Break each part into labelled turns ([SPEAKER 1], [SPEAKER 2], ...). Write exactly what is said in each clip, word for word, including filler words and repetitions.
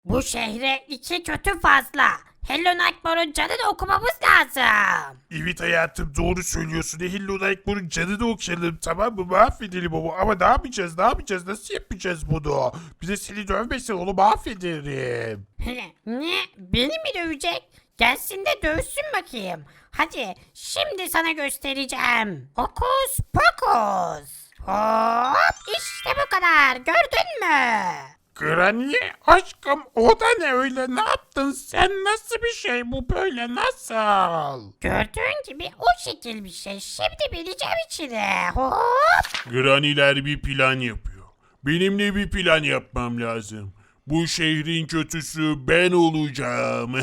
[SPEAKER 1] Bu şehre iki kötü fazla. Hello Nightmare'ın canını okumamız lazım.
[SPEAKER 2] Evet hayatım doğru söylüyorsun. Hello Nightmare'ın canını okuyalım tamam mı? Mahvedelim onu. Ama ne yapacağız ne yapacağız? Nasıl yapacağız bunu? Bize seni dövmesin onu mahvederim.
[SPEAKER 1] Ne? Beni mi dövecek? Gelsin de dövsün bakayım. Hadi şimdi sana göstereceğim. Hokus pokus. Hop işte bu kadar. Gördün mü?
[SPEAKER 2] Granny aşkım o da ne öyle ne yaptın sen nasıl bir şey bu böyle nasıl?
[SPEAKER 1] Gördüğün gibi o şekil bir şey. Şimdi bileceğim içine. Hop.
[SPEAKER 2] Granny'ler bir plan yapıyor. Benimle bir plan yapmam lazım. Bu şehrin kötüsü ben olacağım.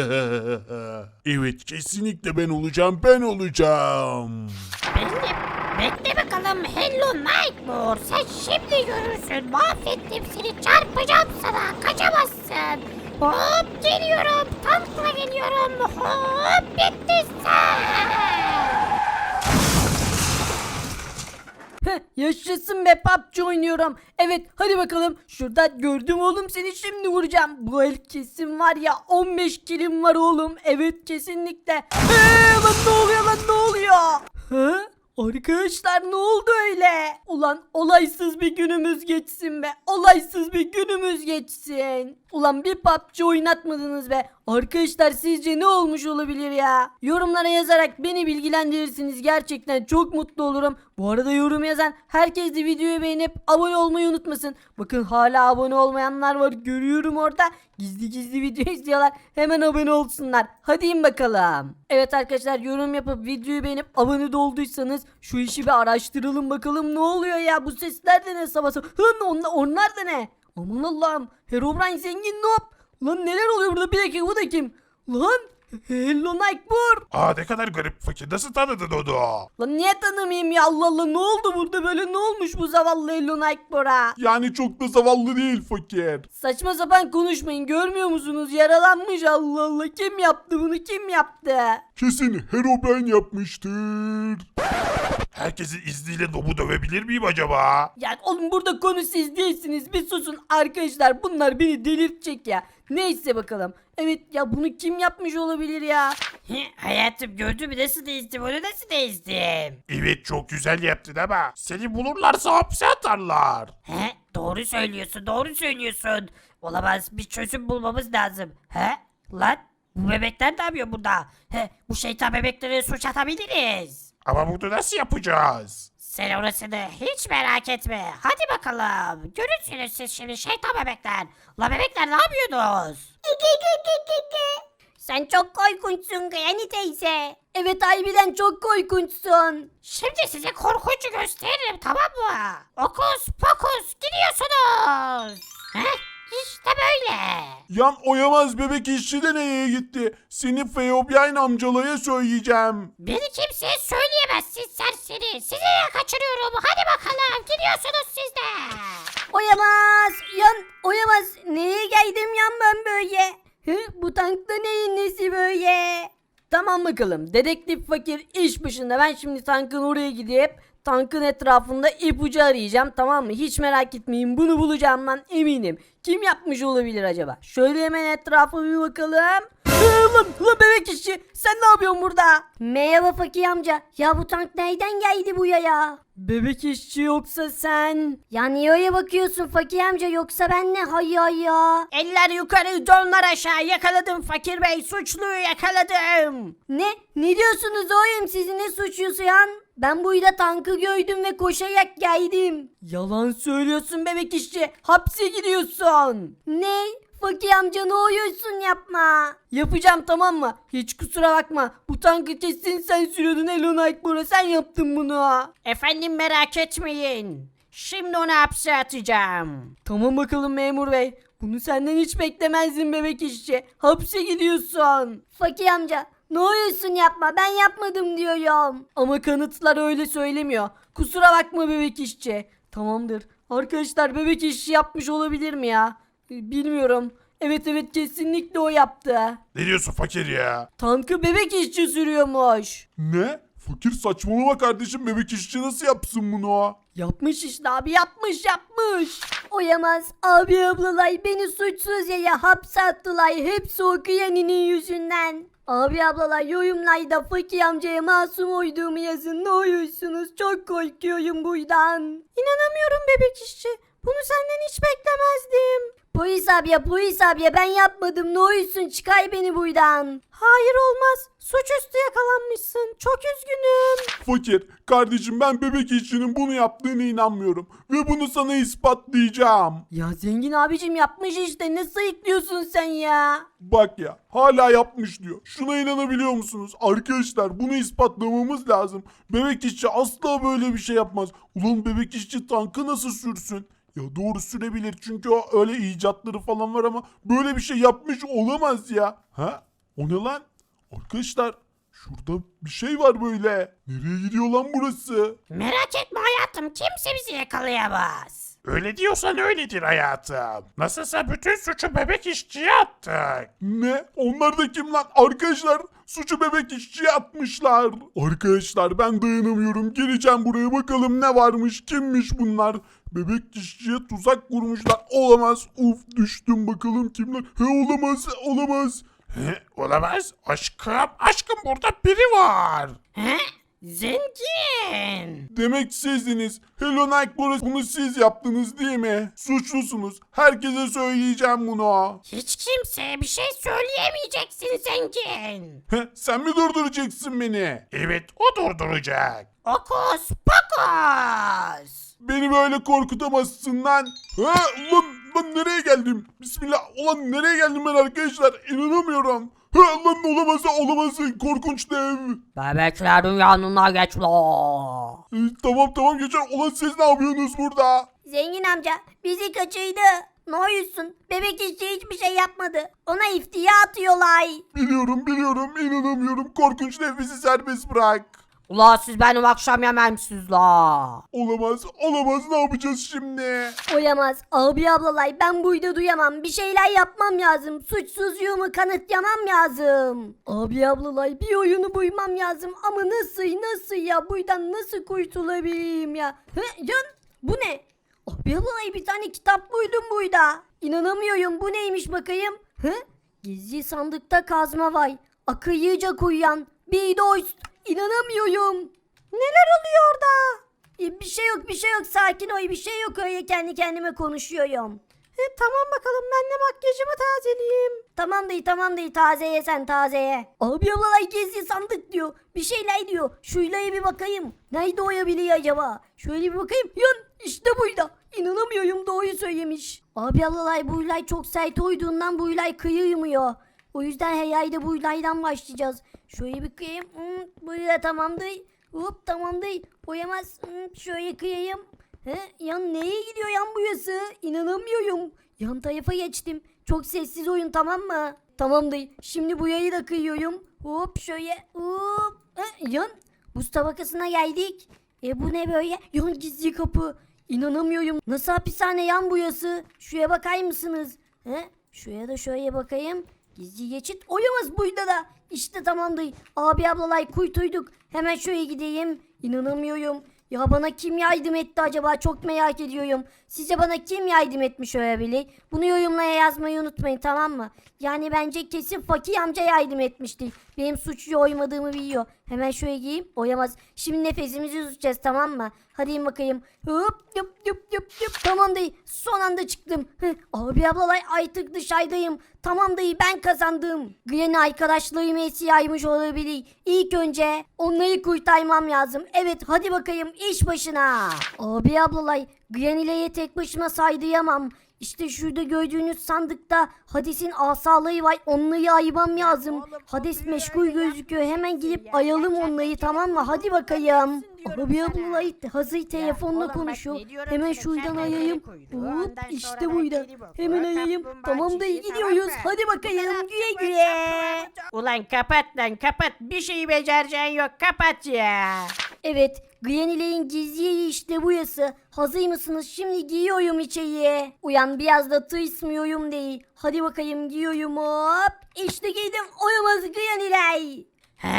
[SPEAKER 2] Evet kesinlikle ben olacağım ben olacağım.
[SPEAKER 1] Bekle, bekle bakalım Hello Nightmare. Sen şimdi görürsün. Mahvettim seni. Çarpacağım sana. Kaçamazsın. Hop geliyorum. Tankla geliyorum. Hop bitti sen.
[SPEAKER 3] Heh, yaşasın be P U B G oynuyorum. Evet hadi bakalım. Şurada gördüm oğlum seni şimdi vuracağım. Bu el kesin var ya on beş kilim var oğlum. Evet kesinlikle. Eee lan ne oluyor lan ne oluyor? Hı? Arkadaşlar ne oldu öyle? Ulan olaysız bir günümüz geçsin be. Olaysız bir günümüz geçsin. Ulan bir P U B G oynatmadınız be. Arkadaşlar sizce ne olmuş olabilir ya? Yorumlara yazarak beni bilgilendirirsiniz. Gerçekten çok mutlu olurum. Bu arada yorum yazan herkes de videoyu beğenip abone olmayı unutmasın. Bakın hala abone olmayanlar var. Görüyorum orada. Gizli gizli video izliyorlar. Hemen abone olsunlar. Hadi in bakalım. Evet arkadaşlar yorum yapıp videoyu beğenip abone de olduysanız şu işi bir araştıralım bakalım ne oluyor ya? Bu sesler de ne sabah sabah? Hın onlar, onlar da ne? Aman Allah'ım. Herobrine zengin noob. Lan neler oluyor burada? Bir dakika bu da kim? Lan Hello Nightmare.
[SPEAKER 2] Aa ne kadar garip fakir nasıl tanıdın onu?
[SPEAKER 3] Lan niye tanımayayım ya Allah Allah ne oldu burada böyle ne olmuş bu zavallı Hello Nightmare'a?
[SPEAKER 2] Yani çok da zavallı değil fakir.
[SPEAKER 3] Saçma sapan konuşmayın görmüyor musunuz yaralanmış Allah Allah kim yaptı bunu kim yaptı?
[SPEAKER 2] Kesin Herobrine yapmıştır. Herkesin izniyle Nob'u dövebilir miyim acaba?
[SPEAKER 3] Ya oğlum burada konu siz değilsiniz bir susun arkadaşlar bunlar beni delirtecek ya. Neyse bakalım. Evet ya bunu kim yapmış olabilir ya?
[SPEAKER 1] Hayatım gördün mü nasıl değiştim onu nasıl değiştim?
[SPEAKER 2] Evet çok güzel yaptın ama seni bulurlarsa hapse atarlar.
[SPEAKER 1] He? Doğru söylüyorsun doğru söylüyorsun. Olamaz bir çözüm bulmamız lazım. He? Lan bu bebekler ne yapıyor burada? He, bu şeytan bebekleri suç atabiliriz.
[SPEAKER 2] Ama bunu nasıl yapacağız?
[SPEAKER 1] Sen orasını hiç merak etme. Hadi bakalım. Görürsünüz siz şimdi şeytan bebekler. La bebekler ne yapıyorsunuz?
[SPEAKER 3] Sen çok korkunçsun Granny teyze. Evet harbiden çok korkunçsun.
[SPEAKER 1] Şimdi size korkuncu gösteririm tamam mı? Okus pokus gidiyorsunuz. Heh, işte böyle.
[SPEAKER 2] Yan oyamaz bebek işçi de nereye gitti? Seni Feobian amcalaya söyleyeceğim.
[SPEAKER 1] Beni kimseye söyleyemezsin serseri. Sizi de kaçırıyorum. Hadi bakalım gidiyorsunuz siz de.
[SPEAKER 3] Oyamaz. Yan oyamaz. Nereye geldim yan ben böyle? Hı, bu tankta neyin nesi böyle? Tamam bakalım. Dedektif fakir iş başında. Ben şimdi tankın oraya gidip tankın etrafında ipucu arayacağım tamam mı? Hiç merak etmeyin bunu bulacağımdan eminim. Kim yapmış olabilir acaba? Şöyle hemen etrafa bir bakalım. Ee, lan, lan bebek işçi sen ne yapıyorsun burada? Merhaba fakir amca. Ya bu tank nereden geldi buraya ya? Bebek işçi yoksa sen? Ya niye öyle bakıyorsun fakir amca yoksa ben ne hayya ya?
[SPEAKER 1] Eller yukarı donlar aşağı. Yakaladım fakir bey. Suçluyu yakaladım.
[SPEAKER 3] Ne? Ne diyorsunuz oğlum siz ne suçlusu yan? Ben burada tankı gördüm ve koşarak geldim. Yalan söylüyorsun bebek işçi. Hapse gidiyorsun. Ne? Fakir amca ne oluyorsun yapma. Yapacağım tamam mı? Hiç kusura bakma. Bu tankı kesin sen sürüyordun Hello Nightmare'a sen yaptın bunu.
[SPEAKER 1] Efendim merak etmeyin. Şimdi onu hapse atacağım.
[SPEAKER 3] Tamam bakalım memur bey. Bunu senden hiç beklemezdim bebek işçi. Hapse gidiyorsun. Fakir amca ne oluyorsun yapma ben yapmadım diyorum. Ama kanıtlar öyle söylemiyor. Kusura bakma bebek işçi. Tamamdır. Arkadaşlar bebek işçi yapmış olabilir mi ya? Ee, Bilmiyorum. Evet evet kesinlikle o yaptı.
[SPEAKER 2] Ne diyorsun fakir ya?
[SPEAKER 3] Tankı bebek işçi sürüyormuş.
[SPEAKER 2] Ne? Fakir saçmalama kardeşim, bebek işçi nasıl yapsın bunu?
[SPEAKER 3] Yapmış işte abi yapmış yapmış. Oyamaz abi ablalay beni suçsuz yere hapse attılar. Hepsi o kıyaninin yüzünden. Abi ablalar yorumlarda fakir amcaya masum olduğumu yazın ne olursunuz. Çok korkuyorum buradan. İnanamıyorum bebek işçi. Bunu senden hiç beklemezdim. Polis abiye polis abiye ben yapmadım ne olursun çıkar beni buradan. Hayır olmaz. Suçüstü yakalanmışsın. Çok üzgünüm.
[SPEAKER 2] Fakir kardeşim, ben bebek işçinin bunu yaptığına inanmıyorum. Ve bunu sana ispatlayacağım.
[SPEAKER 3] Ya zengin abicim yapmış işte ne sayıklıyorsun sen ya?
[SPEAKER 2] Bak ya, hala yapmış diyor. Şuna inanabiliyor musunuz? Arkadaşlar bunu ispatlamamız lazım. Bebek işçi asla böyle bir şey yapmaz. Ulan bebek işçi tankı nasıl sürsün? Ya doğru sürebilir çünkü o öyle icatları falan var ama böyle bir şey yapmış olamaz ya. Ha? O ne lan? Arkadaşlar şurada bir şey var böyle. Nereye gidiyor lan burası?
[SPEAKER 1] Merak etme hayatım, kimse bizi yakalayamaz.
[SPEAKER 2] Öyle diyorsan öyledir hayatım. Nasılsa bütün suçu bebek işçiye attık. Ne? Onlar da kim lan? Arkadaşlar suçu bebek işçiye atmışlar. Arkadaşlar ben dayanamıyorum. Geleceğim buraya, bakalım ne varmış, kimmiş bunlar. Bebek işçiye tuzak kurmuşlar. Olamaz. Uf, düştüm, bakalım kimler. He, olamaz olamaz. He, olamaz. Aşkım aşkım burada biri var.
[SPEAKER 1] He? Zengin.
[SPEAKER 2] Demek sizdiniz. Hello Nightmares, bunu siz yaptınız değil mi? Suçlusunuz. Herkese söyleyeceğim bunu.
[SPEAKER 1] Hiç kimseye bir şey söyleyemeyeceksin zengin.
[SPEAKER 2] Heh, sen mi durduracaksın beni? Evet, o durduracak.
[SPEAKER 1] Okus pokus.
[SPEAKER 2] Beni böyle korkutamazsın lan. Ha, lan, lan nereye geldim? Bismillah. Ulan nereye geldim ben arkadaşlar? İnanamıyorum. Ha, lan olamaz olamaz. Korkunç dev.
[SPEAKER 3] Bebeklerin yanına geç la.
[SPEAKER 2] Ee, tamam tamam geçer. Ulan siz ne yapıyorsunuz burada?
[SPEAKER 3] Zengin amca bizi kaçırdı. Ne olursun bebek işçi hiçbir şey yapmadı. Ona iftira atıyorlar.
[SPEAKER 2] Biliyorum biliyorum. İnanamıyorum. Korkunç dev, bizi serbest bırak.
[SPEAKER 3] Ula siz benim akşam yememsiz la.
[SPEAKER 2] Olamaz olamaz. Ne yapacağız şimdi?
[SPEAKER 3] Oyamaz. Abi ablalay ben burada duyamam. Bir şeyler yapmam lazım. Suçsuzluğumu kanıtlamam lazım. Abi ablalay bir oyunu buymam lazım. Ama nasıl nasıl ya? Buradan nasıl kurtulabilirim ya? Hı, can bu ne? Abi ablalay bir tane kitap buydum burada. İnanamıyorum. Bu neymiş bakayım? Hı? Gizli sandıkta kazma var. Akıllıca kuyan bir dost. İnanamıyorum. Neler oluyor orada? E, bir şey yok bir şey yok sakin ol bir şey yok öyle kendi kendime konuşuyorum. E, tamam bakalım ben de makyajımı tazeleyeyim. Tamam değil tamam değil tazeye sen tazeye. Abi ablalay gizli sandık diyor. Bir şeyler diyor. Şuylaya bir bakayım. Nerede oyabiliyor acaba? Şöyle bir bakayım. Yan işte buydu. İnanamıyorum doğruyu söylemiş. Abi ablalay bu ilay çok sert oyduğundan bu ilay kıyılmıyor. O yüzden herhalde bu ilaydan başlayacağız. Şöyle bir kıyayım. Hmm, bu da tamamdır. Hop tamamdır. Boyamaz. Hmm, şöyle kıyayım. He, yan neye gidiyor yan burası? İnanamıyorum. Yan tarafa geçtim. Çok sessiz oyun tamam mı? Tamamdır. Şimdi bu yayı da kıyıyorum. Hop şöyle. Hop. He, yan. Buz tabakasına geldik. E bu ne böyle? Yan gizli kapı. İnanamıyorum. Nasıl hapishane yan burası? Şuraya bakar mısınız? He? Şuraya da şöyle bakayım. Gizli geçit oyamaz burada da. İşte tamamdır. Abi ablalay kuytuyduk. Hemen şöyle gideyim. İnanamıyorum. Ya bana kim yardım etti acaba? Çok merak ediyorum. Sizce bana kim yardım etmiş olabilir? Bunu yorumlara yazmayı unutmayın tamam mı? Yani bence kesin Fakir amca yardım etmiştir. Benim suçlu oymadığımı biliyor. Hemen şöyle giyeyim. Oyamaz. Şimdi nefesimizi tutacağız tamam mı? Hadi in bakayım. Hop yup yup yup yup. Tamam dayı. Son anda çıktım. Heh, abi ablalay artık dışarıdayım. Tamam dayı ben kazandım. Granny arkadaşlarım esi yaymış olabilir. İlk önce onları kurtarmam lazım. Evet hadi bakayım iş başına. Abi ablalay Granny'leye tek başıma saydıyamam. İşte şurada gördüğünüz sandıkta Hades'in asaları var. Onları ayırmam lazım. Hades meşgul gözüküyor. Hemen gidip ayalım onları tamam mı? Hadi bakayım. Abi ablalay hazır telefonla konuşuyor. Hemen şuradan ayayım. Hop işte buydu. Hemen ayayım. Tamam da iyi gidiyoruz. Hadi bakayım güle güle.
[SPEAKER 1] Ulan kapat lan kapat, bir şey becereceğin yok, kapat ya.
[SPEAKER 3] Evet, Granny'lerin gizli yeri işte burası. Hazır mısınız? Şimdi giyiyorum içeriye. Uyan biraz da tırsmıyorum değil. Hadi bakayım giyiyorum hop. İşte giydim. Oyamaz Granny'ler.
[SPEAKER 1] He?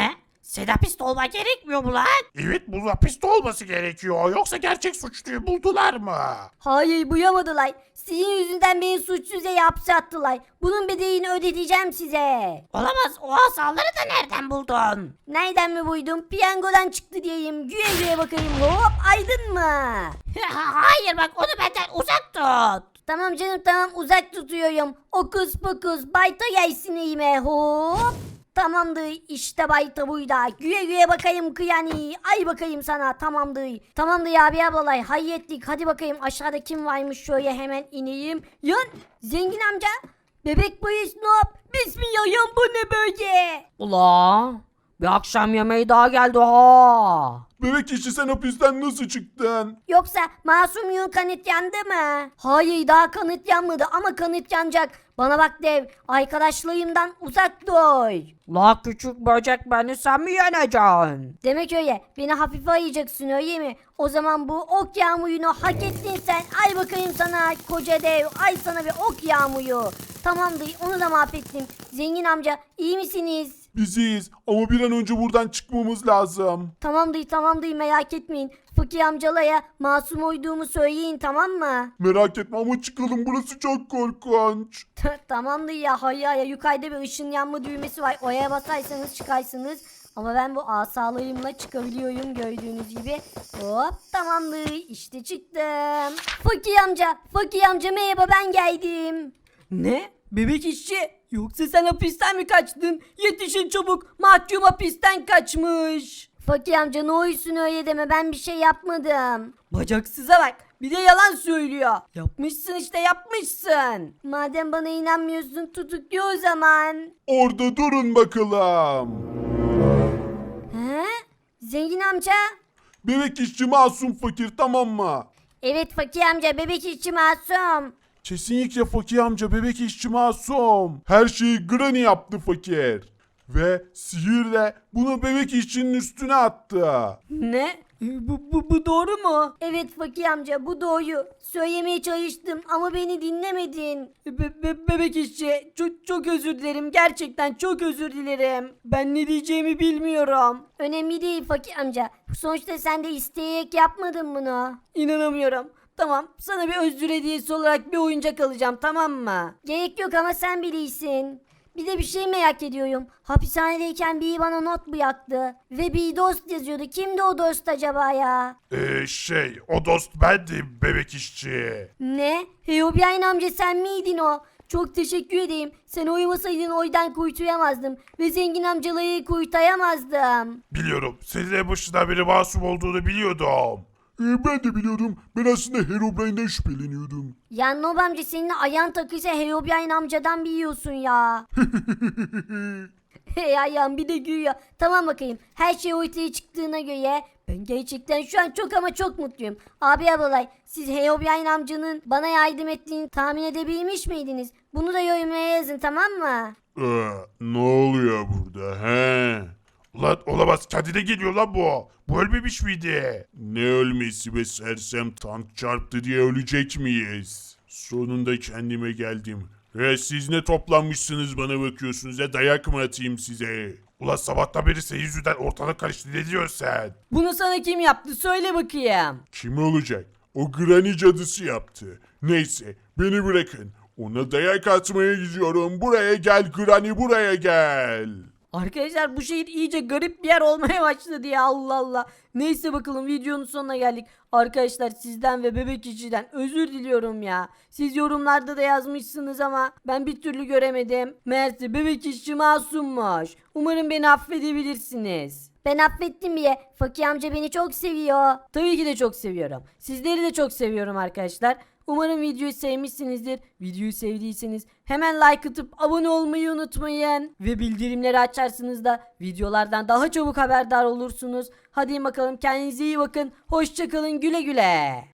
[SPEAKER 1] Sen hapiste olman gerekmiyor mu lan?
[SPEAKER 2] Evet, bu hapiste olması gerekiyor. Yoksa gerçek suçluyu buldular mı?
[SPEAKER 3] Hayır buyamadılar. Sizin yüzünden beni suçsuz yere hapse attılar. Bunun bedelini ödeteceğim size.
[SPEAKER 1] Olamaz, o asaları da nereden buldun?
[SPEAKER 3] Nereden mi buydum? Piyangodan çıktı diyeyim. Güye güye bakayım. Hop aydın mı?
[SPEAKER 1] Hayır bak, onu benden uzak tut.
[SPEAKER 3] Tamam canım tamam uzak tutuyorum. Okus pokus bayta gelsin elime hop. Tamamdır işte bayta buyda. Güye güye bakayım kıyani. Ay bakayım sana tamamdır. Tamamdır abi ablalay hayrettik. Hadi bakayım aşağıda kim varmış şöyle hemen ineyim. Yan zengin amca. Bebek polis nop. Bismillah yan bu ne böyle? Ula bir akşam yemeği daha geldi ha.
[SPEAKER 2] Bebek işçi, sen hapisten nasıl çıktın?
[SPEAKER 3] Yoksa masumluğun kanıt yandı mı? Hayır daha kanıt yanmadı ama kanıt yanacak. Bana bak dev arkadaşlarımdan uzak dur. La küçük böcek beni sen mi yeneceksin? Demek öyle beni hafife alacaksın öyle mi? O zaman bu ok yağmurunu hak ettin sen. Ay bakayım sana koca dev ay sana bir ok yağmuru. Tamamdır onu da mahvettim. Zengin amca iyi misiniz?
[SPEAKER 2] Biziz ama bir an önce buradan çıkmamız lazım.
[SPEAKER 3] Tamamdır tamamdır merak etmeyin. Fakir amcalaya masum olduğumu söyleyin tamam mı?
[SPEAKER 2] Merak etme ama çıkalım, burası çok korkunç.
[SPEAKER 3] Tamamdır ya hayır ya yukarıda bir ışın yanma düğmesi var. Oraya basarsanız çıkarsınız. Ama ben bu asalığımla çıkabiliyorum gördüğünüz gibi. Hop tamamdır işte çıktım. Fakir amca fakir amca merhaba ben geldim. Ne? Bebek işçi yoksa sen hapisten mi kaçtın? Yetişin çabuk mahkum hapisten kaçmış. Fakir amca ne olursun öyle deme ben bir şey yapmadım. Bacaksıza bak bir de yalan söylüyor. Yapmışsın işte yapmışsın. Madem bana inanmıyorsun tutuklu o zaman.
[SPEAKER 2] Orada durun bakalım.
[SPEAKER 3] He? Zengin amca?
[SPEAKER 2] Bebek işçi masum fakir, tamam mı?
[SPEAKER 3] Evet fakir amca bebek işçi masum.
[SPEAKER 2] Kesinlikle fakir amca, bebek işçi masum. Her şeyi Granny yaptı fakir. Ve sihirle bunu bebek işçinin üstüne attı.
[SPEAKER 3] Ne? Bu, bu, bu doğru mu? Evet fakir amca bu doğru. Söylemeye çalıştım ama beni dinlemedin. Be- be- bebek işçi çok, çok özür dilerim. Gerçekten çok özür dilerim. Ben ne diyeceğimi bilmiyorum. Önemli değil fakir amca. Sonuçta sen de isteyerek yapmadın bunu. İnanamıyorum. Tamam sana bir özür hediyesi olarak bir oyuncak alacağım tamam mı? Gerek yok ama sen bilirsin. Bir de bir şey merak ediyorum. Hapishanedeyken biri bana not bıraktı. Ve bir dost yazıyordu. Kimdi o dost acaba ya?
[SPEAKER 2] Ee, şey o dost bendim bebek işçi.
[SPEAKER 3] Ne? Heyobian amca sen miydin o? Çok teşekkür edeyim. Sen uyumasaydın oydan kuytuyamazdım. Ve zengin amcaları kuytayamazdım.
[SPEAKER 2] Biliyorum, senin en başından beri masum olduğunu biliyordum. Ee, ben de biliyordum. Ben aslında Herobrine'den şüpheleniyordum.
[SPEAKER 3] Ya Nob amca senin ayağın takıysa Heyobian amcadan biliyorsun ya. Hey ayağım bir de gülüyor. Tamam bakayım. Her şey ortaya çıktığına göre ben gerçekten şu an çok ama çok mutluyum. Abi ablalay siz Heyobian amcanın bana yardım ettiğini tahmin edebilmiş miydiniz? Bunu da yorumlara yazın tamam mı?
[SPEAKER 2] Ee, ne oluyor burada he? Ulan olamaz, kendine geliyor lan bu. Bu ölmemiş miydi? Ne ölmesi be sersem, tank çarptı diye ölecek miyiz? Sonunda kendime geldim. Ve siz ne toplanmışsınız bana bakıyorsunuz ya, dayak mı atayım size? Ulan sabahtan beri senin yüzünden ortalık karıştı, ne diyorsun sen?
[SPEAKER 3] Bunu sana kim yaptı söyle bakayım.
[SPEAKER 2] Kim olacak? O Granny cadısı yaptı. Neyse beni bırakın. Ona dayak atmaya gidiyorum. Buraya gel Granny, buraya gel.
[SPEAKER 3] Arkadaşlar bu şehir iyice garip bir yer olmaya başladı ya Allah Allah. Neyse bakalım videonun sonuna geldik. Arkadaşlar sizden ve bebek işçiden özür diliyorum ya. Siz yorumlarda da yazmışsınız ama ben bir türlü göremedim. Meğerse bebek işçi masummuş. Umarım beni affedebilirsiniz. Ben affettim bile. Fakir amca beni çok seviyor. Tabii ki de çok seviyorum. Sizleri de çok seviyorum arkadaşlar. Umarım videoyu sevmişsinizdir. Videoyu sevdiyseniz hemen like atıp abone olmayı unutmayın. Ve bildirimleri açarsınız da videolardan daha çabuk haberdar olursunuz. Hadi bakalım kendinize iyi bakın. Hoşça kalın güle güle.